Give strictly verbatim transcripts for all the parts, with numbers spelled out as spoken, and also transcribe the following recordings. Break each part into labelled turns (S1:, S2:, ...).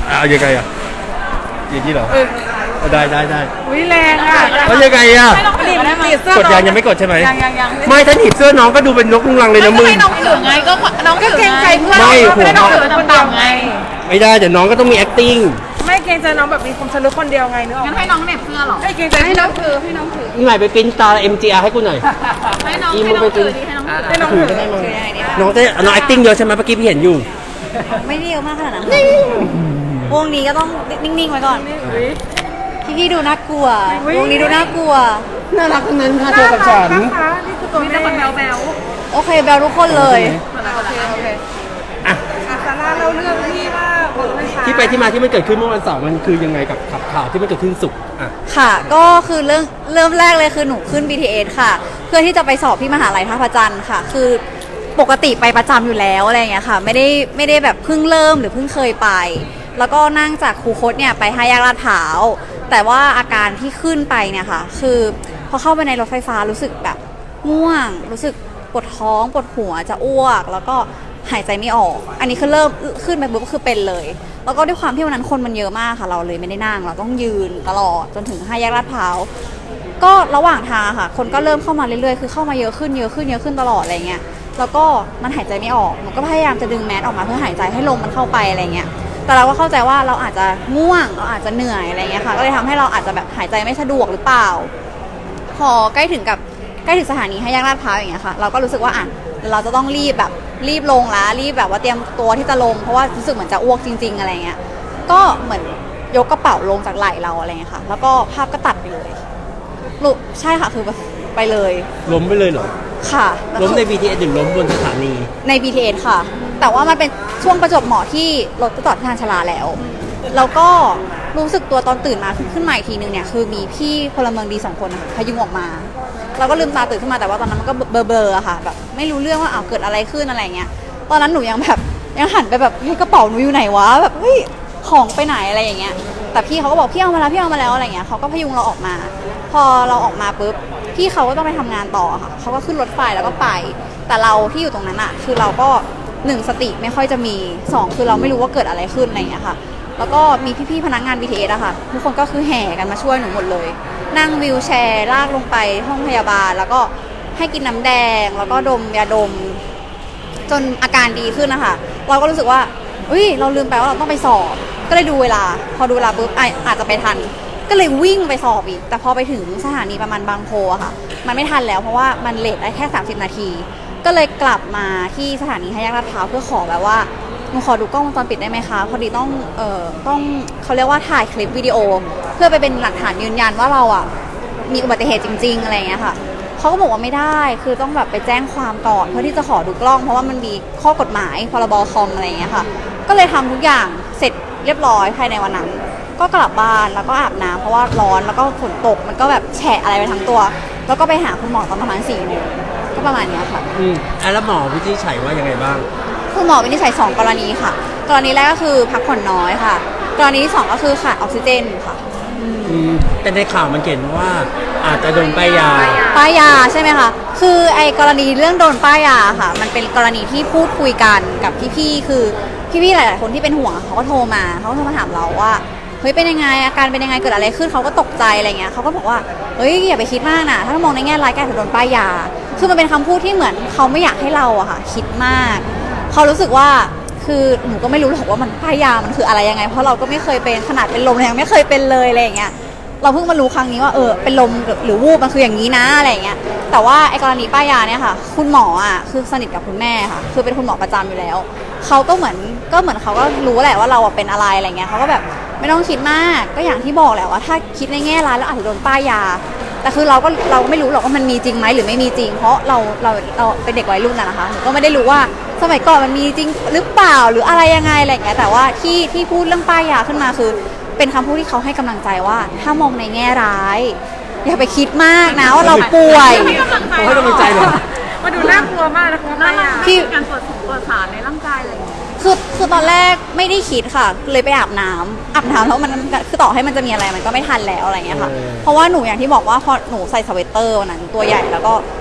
S1: เอายังไงอ่ะอย่างนี้เหรอได้ได้ได้
S2: อุ้ยแรงอ่ะ
S1: แล้วยังไงอ่ะกดยังยังไม่กดใช่ไหมยังยังยังไม่ถ้าหนีบเสื้อน้องก็ดูเป็นนกลุงลังเลยนะมึง
S2: ไม่น้องถือไงก็น้องก็เกรงใจเพื่อน
S1: ไม่
S2: ไม่ได้น้องถือต่ำๆไง
S1: ไม่ได้เดี๋ยวน้องก็ต้องมี acting
S2: ไม่เกรงใจน้องแบบมีความสนุกคนเดียวไงเนอะงั้นให้น้องเหน็บเสื้อหรอให้เกรงใจให้น้องถือให้น้องถือ
S1: นี่หมายไปปริ้นตา เอ็ม จี อาร์ ให้กูหน่อย
S2: ให้น้องให้น้องถือให้น้องถือให้น้องถือ
S1: ได้มั้งน้องได้น้อง acting เยอะใช่ไหมเมื่อกี้พี่เห็นอยู่
S3: ไม่ได้เยอะมากขนาดนั้นวงนี้ก็ต้องนิ่งๆไว้ก่อนพี่ๆดูน่ากลัววงนี้ดูน่ากลัว
S1: น่ารักทั้งนั้นค่ะเธอกับฉัน
S2: นี่คือตัวแม่แบลแบล
S3: โอเคแบลทุกคนเลย
S2: โอเคโอเคอ่ะซาร่าเราเรื่องที่ว่า
S1: ที่ไปที่มาที่มันเกิดขึ้นเมื่อวันเสาร์มันคือยังไงกับขับข่าวที่มันเกิดขึ้นสุขอ่ะ
S3: ค่ะก็คือเรื่องเริ่มแรกเลยคือหนูขึ้น บี ที เอส ค่ะเพื่อที่จะไปสอบที่มหาลัยท่าพระจันทร์ค่ะคือปกติไปประจำอยู่แล้วอะไรอย่างเงี้ยค่ะไม่ได้ไม่ได้แบบเพิ่งเริ่มหรือเพิ่งเคยไปแล้วก็นั่งจากคูคตเนี่ยไปห้าแยกลาดพร้าวแต่ว่าอาการที่ขึ้นไปเนี่ยค่ะคือพอเข้าไปในรถไฟฟ้ารู้สึกแบบง่วงรู้สึกปวดท้องปวดหัวจะอ้วกแล้วก็หายใจไม่ออกอันนี้คือเริ่มขึ้นไปปุ๊บก็คือเป็นเลยแล้วก็ด้วยความที่วันนั้นคนมันเยอะมากค่ะเราเลยไม่ได้นั่งเราต้องยืนตลอดจนถึงห้าแยกลาดพร้าวก็ระหว่างทางค่ะคนก็เริ่มเข้ามาเรื่อยๆคือเข้ามาเยอะขึ้นเยอะขึ้นเยอะขึ้นตลอดอะไรเงี้ยแล้วก็มันหายใจไม่ออกหนูก็พยายามจะดึงแมสออกมาเพื่อหายใจให้ลมมันเข้าไปอะไรเงี้ยแต่เราก็เข้าใจว่าเราอาจจะง่วงเราอาจจะเหนื่อยอะไรเงี้ยค่ะก็เลยทำให้เราอาจจะแบบหายใจไม่สะดวกหรือเปล่าพอใกล้ถึงกับใกล้ถึงสถานีห้าแยกลาดพร้าวอย่างเงี้ยค่ะเราก็รู้สึกว่าอ่ะเราจะต้องรีบแบบรีบลงแล้วรีบแบบว่าเตรียมตัวที่จะลงเพราะว่ารู้สึกเหมือนจะอ้วกจริงๆอะไรเงี้ยก็เหมือนยกกระเป๋าลงจากไหล่เราอะไรเงี้ยค่ะแล้วก็ภาพก็ตัดไปเลยลุใช่ค่ะคือไปเลย
S1: ล้มไปเลยเหรอ
S3: ค่ะ
S1: ล้มใน บี ที เอส หรือล้มบนสถานี
S3: ใน บี ที เอส ค่ะแต่ว่ามันเป็นช่วงประจวบเหมาะที่รถจะจอดที่ทางชลาแล้วแล้วก็รู้สึกตัวตอนตื่นมาขึ้นมาอีกทีนึงเนี่ยคือมีพี่พลเมืองดีสองคนพยุงออกมาเราก็ลืมตาตื่นขึ้นมาแต่ว่าตอนนั้นมันก็เบลอๆอะค่ะแบบไม่รู้เรื่องว่าอ้าวเกิดอะไรขึ้นอะไรเงี้ยตอนนั้นหนูยังแบบยังหันไปแบบเฮ้ยกระเป๋าหนูอยู่ไหนวะแบบเฮ้ยของไปไหนอะไรอย่างเงี้ยแต่พี่เขาก็บอกพี่เอามาแล้วพี่เอามาแล้วอะไรเงี้ยเขาก็พยุงเราออกมาพอเราออกมาปุ๊บพี่เขาก็ต้องไปทำงานต่อค่ะเขาก็ขึ้นรถไฟแล้วก็ไปแต่เราที่อยู่ตรงนั้นอะคือเราก็หนึ่งสติไม่ค่อยจะมีสองคือเราไม่รู้ว่าเกิดอะไรขึ้นอะไรเงี้ยค่ะแล้วก็มีพี่ๆพนักงาน บี ที เอส อะค่ะทุกคนก็คือแห่กันมาช่วยหนูหมดเลยนั่งวีลแชร์ลากลงไปห้องพยาบาลแล้วก็ให้กินน้ำแดงแล้วก็ดมยาดมจนอาการดีขึ้นนะคะเราก็รู้สึกว่าอุ้ยเราลืมไปว่าเราต้องไปสอบก็เลยดูเวลาพอดูเวลาปุ๊บอาจจะไปทันก็เลยวิ่งไปสอบอีกแต่พอไปถึงสถานีประมาณบางโพอะค่ะมันไม่ทันแล้วเพราะว่ามันเลทได้แค่สามสิบนาทีก็เลยกลับมาที่สถานีห้าแยกลาดพร้าวเพื่อขอแบบว่าหนูขอดูกล้องวงจรปิดได้ไหมคะพอดีต้องเอ่อต้องเขาเรียกว่าถ่ายคลิปวิดีโอเพื่อไปเป็นหลักฐานยืนยันว่าเราอ่ะมีอุบัติเหตุจริงๆอะไรอย่างเงี้ยค่ะเขาก็บอกว่าไม่ได้คือต้องแบบไปแจ้งความก่อนเพื่อที่จะขอดูกล้องเพราะว่ามันมีข้อกฎหมายพรบคอมอะไรอย่างเงี้ยค่ะก็เลยทำทุกอย่างเสร็จเรียบร้อยภายในวันนั้นก็กลับบ้านแล้วก็อาบน้ำเพราะว่าร้อนแล้วก็ฝนตกมันก็แบบแฉะอะไรไปทั้งตัวแล้วก็ไปหาคุณหมอตอนประมาณสี่โมงก็ประมาณนี้ค่ะ
S1: อืมแล้วหมอวินิจฉัยว่ายังไงบ้าง
S3: คุณหมอวินิจฉัยสองกรณีค่ะกรณีแรกก็คือพักผ่อนน้อยค่ะกรณีที่สองก็คือขาดออกซิเจนค่ะ
S1: อืมแต่ในข่าวมันเขียนว่าอาจจะโดนป้ายยา
S3: ป้ายยาใช่ไหมคะคือไอ้กรณีเรื่องโดนป้ายยาค่ะมันเป็นกรณีที่พูดคุยกันกับพี่ๆคือพี่ๆหลายๆคนที่เป็นห่วงเขาก็โทรมาเขาก็โทรมาถามเราว่าเฮ้ยเป็นยังไงอาการเป็นยังไงเกิดอะไรขึ้นเขาก็ตกใจอะไรเงี้ยเขาก็บอกว่าเฮ้ยอย่าไปคิดมากนะถ้ามองในแง่ร้ายแกอาจจะโดนป้ายยาคือมันเป็นคำพูดที่เหมือนเขาไม่อยากให้เราอะค่ะคิดมากเขารู้สึกว่าคือหนูก็ไม่รู้หรอกว่ามันป้ายยามันคืออะไรยังไงเพราะเราก็ไม่เคยเป็นขนาดเป็นลมยังไม่เคยเป็นเลยอะไรอย่างเงี้ยเราเพิ่งมารู้ครั้งนี้ว่าเออเป็นลมหรือวูบมันคืออย่างนี้นะอะไรอย่างเงี้ยแต่ว่าไอ้กรณีป้ายยาเนี่ยค่ะคุณหมออ่ะคือสนิทกับคุณแม่ค่ะคือเป็นคุณหมอประจำอยู่แล้วเขาก็เหมือนก็เหมือนเขาก็รู้แหละว่าเราเป็นอะไรอะไรเงี้ยเขาก็แบบไม่ต้องคิดมากก็อย่างที่บอกแหละว่าถ้าคิดในแง่ร้ายแล้วอาจจะโดนป้ายยาแต่คือเราก็เราไม่รู้หรอกว่ามันมีจริงไหมหรือไม่มีจริงเพราะเราเราเราเป็นเด็กวัยรุ่นนะคะหนูก็ไม่ได้รู้ว่าสมัยก่อนมันมีจริงหรือเปล่าหรืออะไรยังไงอะไรเงี้ยแต่ว่าที่ที่พูดเรื่องป้ายยาขึ้นมาคือเป็นคำพูดที่เขาให้กำลังใจว่าถ้ามองในแง่ร้ายอย่าไปคิดมากนะว่าเราป่วย
S1: เขาให้กำลังใจเหรอ
S2: มาดูน่ากลัวมากนะคะป้ายยาที่การตรวจสอบตรวจสารในร่างกายอะไรอย่างเงี้ย
S3: คือคือตอนแรกไม่ได้คิดค่ะเลยไปอาบน้ำอาบน้ำแล้วมันคือต่อให้มันจะมีอะไรมันก็ไม่ทันแล้วอะไรเงี้ยค่ะเพราะว่าหนูอย่างที่บอกว่าพอหนูใส่สเวตเตอร์วันนั้นตัวใหญ่แล้วก็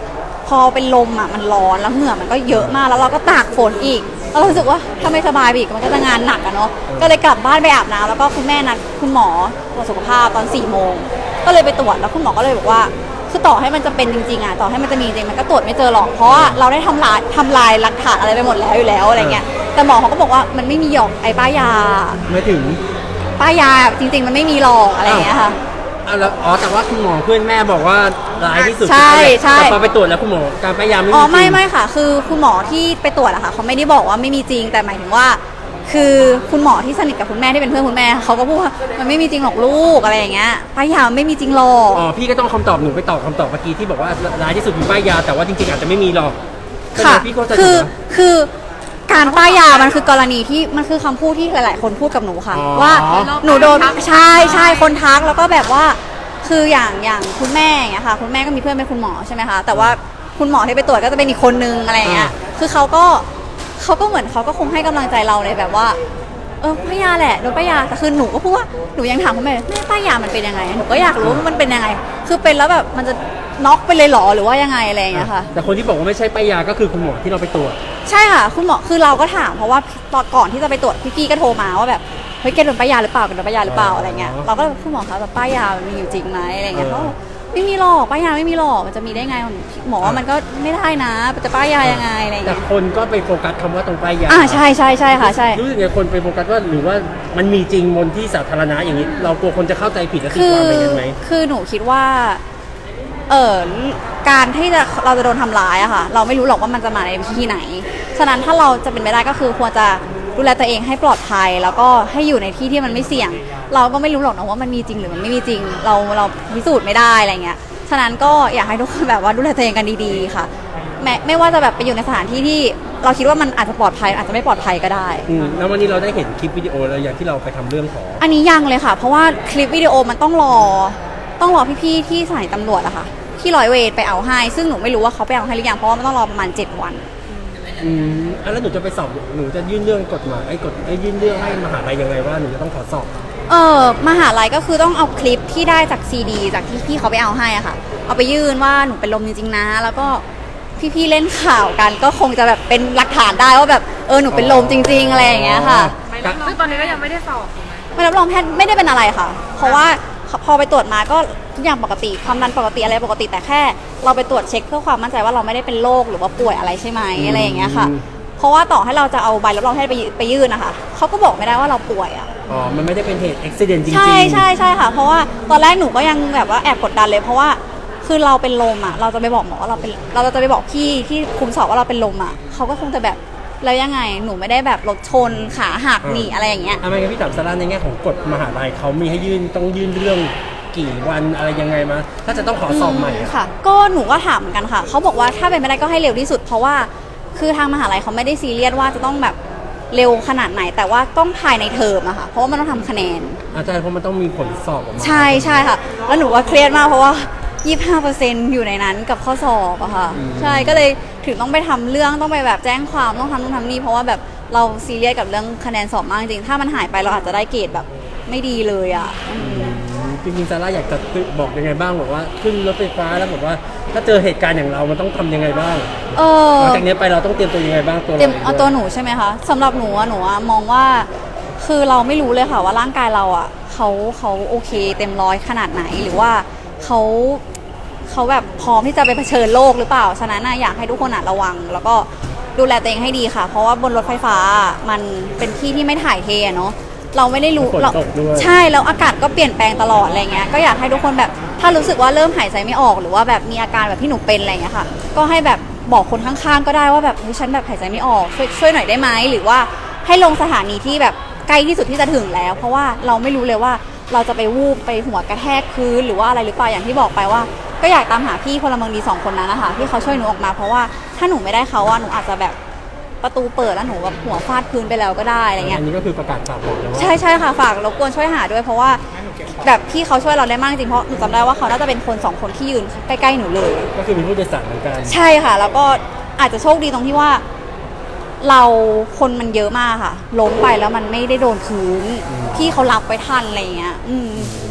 S3: พอเป็นลมอ่ะมันร้อนแล้วเหงื่อมันก็เยอะมากแล้วเราก็ตากฝนอีกแล้วเรารู้สึกว่าถ้าไม่สบายอีกมันก็จะงานหนักอะเนาะก็เลยกลับบ้านไปอาบน้ำแล้วก็คุณแม่นัดคุณหมอตรวจสุขภาพตอนสี่โมงก็เลยไปตรวจแล้วคุณหมอก็เลยบอกว่าคือต่อให้มันจะเป็นจริงๆอ่ะต่อให้มันจะมีจริงมันก็ตรวจไม่เจอหรอกเพราะว่าเราได้ทำลายทำลายหลักฐานอะไรไปหมดแล้วอยู่แล้วอะไรเงี้ยแต่หมอเขาก็บอกว่ามันไม่มีหยอกไอ้ป้ายา
S1: ไม่ถึง
S3: ป้ายาจริงๆมันไม่มีหรอกอะไรเงี้ยค่ะ
S1: อ้าวแล้วอ๋อแต่ว่าคุณหมอเพื่อนแม่บอกว่าร้ายที่สุด
S3: ใช่ใช่
S1: แต่พอไปตรวจแล้วคุณหมอการป้ายยาไม่มี
S3: อ๋อไม่
S1: จริง
S3: ไม่ค่ะ คือคุณหมอที่ไปตรวจอะค่ะเขาไม่ได้บอกว่าไม่มีจริงแต่หมายถึงว่า คือคุณหมอที่สนิทกับคุณแม่ที่เป็นเพื่อนคุณแม่เขาก็พูดว่ามันไม่มีจริงหรอกลูกอะไรอย่างเงี้ยป้ายยาไม่มีจริงหรอก
S1: อ๋อพี่ก็ต้องคำตอบหนูไปตอบคำตอบเมื่อกี้ที่บอกว่าร้ายที่สุดคือป้ายยาแต่ว่าจริงๆอาจจะไม่มีหรอก
S3: ค่ะ
S1: พี่ก็จะ
S3: คือคือการป้ายยามันคือกรณีที่มันคือคำพูดที่หลายๆคนพูดกับหนูค่ะ ว่าหนูโดนใช่ใช่คนทักแล้วก็แบบว่าคืออย่างอย่างคุณแม่อย่างเงี้ยค่ะคุณแม่ก็มีเพื่อนเป็นคุณหมอใช่ไหมคะแต่ว่าคุณหมอที่ไปตรวจก็จะเป็นอีกคนนึงอะไรอย่างเงี้ยคือเขาก็เขาก็เหมือนเขาก็คงให้กำลังใจเราเลยแบบว่าเออป้ายยาแหละโดนป้ายยาแต่คือหนูก็พูดว่าหนูยังถามคุณแม่แม่ป้ายยามันเป็นยังไงหนูก็อยากรู้ว่ามันเป็นยังไงคือเป็นแล้วแบบมันจะน็อกไปเลยหรอหรือว่ายังไงอะไรอย่างเงี้ยค่ะ
S1: แต่คนที่บอกว่าไม่ใช่ป้ายยาก็คือคุณหมอที่เราไปตรวจ
S3: ใช่ค่ะคุณหมอคือเราก็ถามเพราะว่าตอนก่อนที่จะไปตรวจพี่ๆก็โทรมาว่าแบบเฮ้ยแกโดนป้ายยาหรือเปล่าแกโดนป้ายยาหรือเปล่าอะไรเงี้ยเราก็คุณหมอคะแบบป้ายยามันมีอยู่จริงไหมอะไรเงี้ยเขาไม่มีหรอกป้ายยาไม่มีหรอกมันจะมีได้ไงหมอว่ามันก็ไม่ได้นะจะป้ายยายังไงอะไรเงี้ย
S1: แต่คนก็ไปโฟกัสคำว่าตรงป้ายยา
S3: อ่าใช่ใช่ใช่ค่ะใช่
S1: รู้สึกไงคนไปโฟกัสว่าหรือว่ามันมีจริงบนที่สาธารณะอย่างนี้เรากลัวคนจะเข้าใจผิดและตีความไปกันไหม
S3: คือหนูคิดว่าเออการที่จะเราจะโดนทำร้ายอะค่ะเราไม่รู้หรอกว่ามันจะมาในที่ไหนฉะนั้นถ้าเราจะเป็นไปได้ก็คือควรจะดูแลตัวเองให้ปลอดภัยแล้วก็ให้อยู่ในที่ที่มันไม่เสี่ยงเราก็ไม่รู้หรอกนะว่ามันมีจริงหรือมันไม่มีจริงเราเราพิสูจน์ไม่ได้อะไรเงี้ยฉะนั้นก็อยากให้ทุกคนแบบว่าดูแลตัวเองกันดีๆค่ะแม้ไม่ว่าจะแบบไปอยู่ในสถานที่ที่เราคิดว่ามันอาจจะปลอดภัยอาจจะไม่ปลอดภัยก็ได้
S1: แล้ววันนี้เราได้เห็นคลิปวิดีโอแล้วอย่างที่เราไปทำเรื่องของ
S3: อันนี้ยังเลยค่ะเพราะว่าคลิปวิดีโอมันต้องรอต้องรอพี่ๆที่สถานีตำรวจอะค่ะที่ร้อยเวรไปเอาให้ซึ่งหนูไม่รู้ว่าเขาไปเอาให้หรือยังเพราะว่ามันต้องรอประมาณเจ็ดวัน
S1: อืมแล้วหนูจะไปสอบหนูจะยื่นเรื่องกฎหมายไอ้กฎไอ้ยื่นเรื่องให้มหาลัยยังไงว่าหนูจะต้องขอสอบ
S3: เออมหาลัยก็คือต้องเอาคลิปที่ได้จากซีดีจากที่พี่เขาไปเอาให้อะค่ะเอาไปยื่นว่าหนูเป็นลมจริงๆนะแล้วก็พี่ๆเล่นข่าวกันก็คงจะแบบเป็นหลักฐานได้ว่าแบบเออหนูเป็นลมจริงๆอะไรอย่างเงี้ยค่ะ
S2: ซึ่งตอนนี้ก็ยังไม่ได้สอบ
S3: ไม่รับรองแพทย์ไม่ได้เป็นอะไรค่ะเพราะว่าพอไปตรวจมาก็ทุกอย่างปกติความดันปกติอะไรปกติแต่แค่เราไปตรวจเช็คเพื่อความมั่นใจว่าเราไม่ได้เป็นโรคหรือว่าป่วยอะไรใช่ไหมอะไรอย่างเงี้ยค่ะเพราะว่าต่อให้เราจะเอาใบรับรองแพทย์ไปไปยื่นนะคะเขาก็บอกไม่ได้ว่าเราป่วยอ่ะ
S1: อ๋อมันไม่ได้เป็นเหตุอุบัติเหตุจริงๆ
S3: ใช่ใช่ใช่ค่ะเพราะว่าตอนแรกหนูก็ยังแบบว่าแอบกดดันเลยเพราะว่าคือเราเป็นลมอ่ะเราจะไปบอกหมอว่าเราเป็นเราจะไปบอกพี่ที่คุมสอบว่าเราเป็นลมอ่ะเขาก็คงจะแบบแล้วยังไงหนูไม่ได้แบบรถชนขาหักหนีอะไรอย่างเงี้ย
S1: ทำไมงั้นพี่ถามซาร่าในแง่ของกฎมหาลัยเขามีให้ยื่นต้องยื่นเรื่องกี่วันอะไรยังไงมาถ้าจะต้องขอสอบใหม่
S3: ค่ะก็หนูก็ถามเหมือนกันค่ะเขาบอกว่าถ้าเป็นไม่ได้ก็ให้เร็วที่สุดเพราะว่าคือทางมหาลัยเขาไม่ได้ซีเรียสว่าจะต้องแบบเร็วขนาดไหนแต่ว่าต้องภายในเทอมอะค่ะเพราะว่ามันต้องทำคะแนน
S1: อาจารย์เพราะมันต้องมีผลสอบออกมา
S3: ใช่ใช่ค่ะแล้วหนูว่าเครียดมากเพราะว่า ยี่สิบห้าเปอร์เซ็นต์ อยู่ในนั้นกับข้อสอบอะค่ะใช่ก็เลยถึงต้องไปทำเรื่องต้องไปแบบแจ้งความต้องทำนู่นทำนี่เพราะว่าแบบเราซีเรียสกับเรื่องคะแนนสอบมากจริงถ้ามันหายไปเราอาจจะได้เกรดแบบไม่ดีเลยอะ
S1: จริงๆซาร่าอยากจะบอกยังไงบ้างบอกว่าขึ้นรถไฟฟ้าแล้วบอกว่าถ้าเจอเหตุการณ์อย่างเรามันต้องทำยังไงบ้าง
S3: เออ
S1: หลังจากนี้ไปเราต้องเตรียมตัวยังไงบ้างตัว
S3: เตรียมเอาตัวหนูใช่ไหมคะสำหรับหนูอะหนูอะมองว่าคือเราไม่รู้เลยค่ะว่าร่างกายเราอะเขาเขาโอเคเต็มร้อยขนาดไหนหรือว่าเขาเขาแบบพร้อมที่จะไปเผชิญโลกหรือเปล่าฉะนั้นนะอยากให้ทุกคนระวังแล้วก็ดูแลตัวเองให้ดีค่ะเพราะว่าบนรถไฟฟ้ามันเป็นที่ที่ไม่ถ่ายเทเนาะเราไม่ได้รู้เราใช่แล้วอากาศก็เปลี่ยนแปลงตลอดอะไรเงี้ยก็อยากให้ทุกคนแบบถ้ารู้สึกว่าเริ่มหายใจไม่ออกหรือว่าแบบมีอาการแบบที่หนูเป็นอะไรเงี้ยค่ะก็ให้แบบบอกคนข้างๆก็ได้ว่าแบบฉันแบบหายใจไม่ออกช่วยช่วยหน่อยได้ไหมหรือว่าให้ลงสถานีที่แบบใกล้ที่สุดที่จะถึงแล้วเพราะว่าเราไม่รู้เลยว่าเราจะไปวูบไปหัวกระแทกพื้นหรือว่าอะไรหรือเปล่าอย่างที่บอกไปว่าก็อยากตามหาพี่พลเมืองดีสองคนนั้นนะคะที่เขาช่วยหนูออกมาเพราะว่าถ้าหนูไม่ได้เขาอะหนูอาจจะแบบประตูเปิดแล้วหนูแบบหัวฟาดพื้นไปแล้วก็ได้อะไรเงี้ย
S1: อันนี้ก็คือประกาศฝากบอกแล้วว่า
S3: ใช่ใช่ค่ะฝากรบกวนช่วยหาด้วยเพราะว่าแบบพี่เขาช่วยเราได้มากจริงเพราะหนูจำได้ว่าเขาน่าจะเป็นคนสองคนที่ยืนใกล้ๆหนูเลย
S1: ก็คือมีผู้โดยสารเหมือนกัน
S3: ใช่ค่ะแล้วก็อาจจะโชคดีตรงที่ว่าเราคนมันเยอะมากค่ะล้มไปแล้วมันไม่ได้โดนพื้นพี่เขารับไปทันอะไรเงี้ยอืม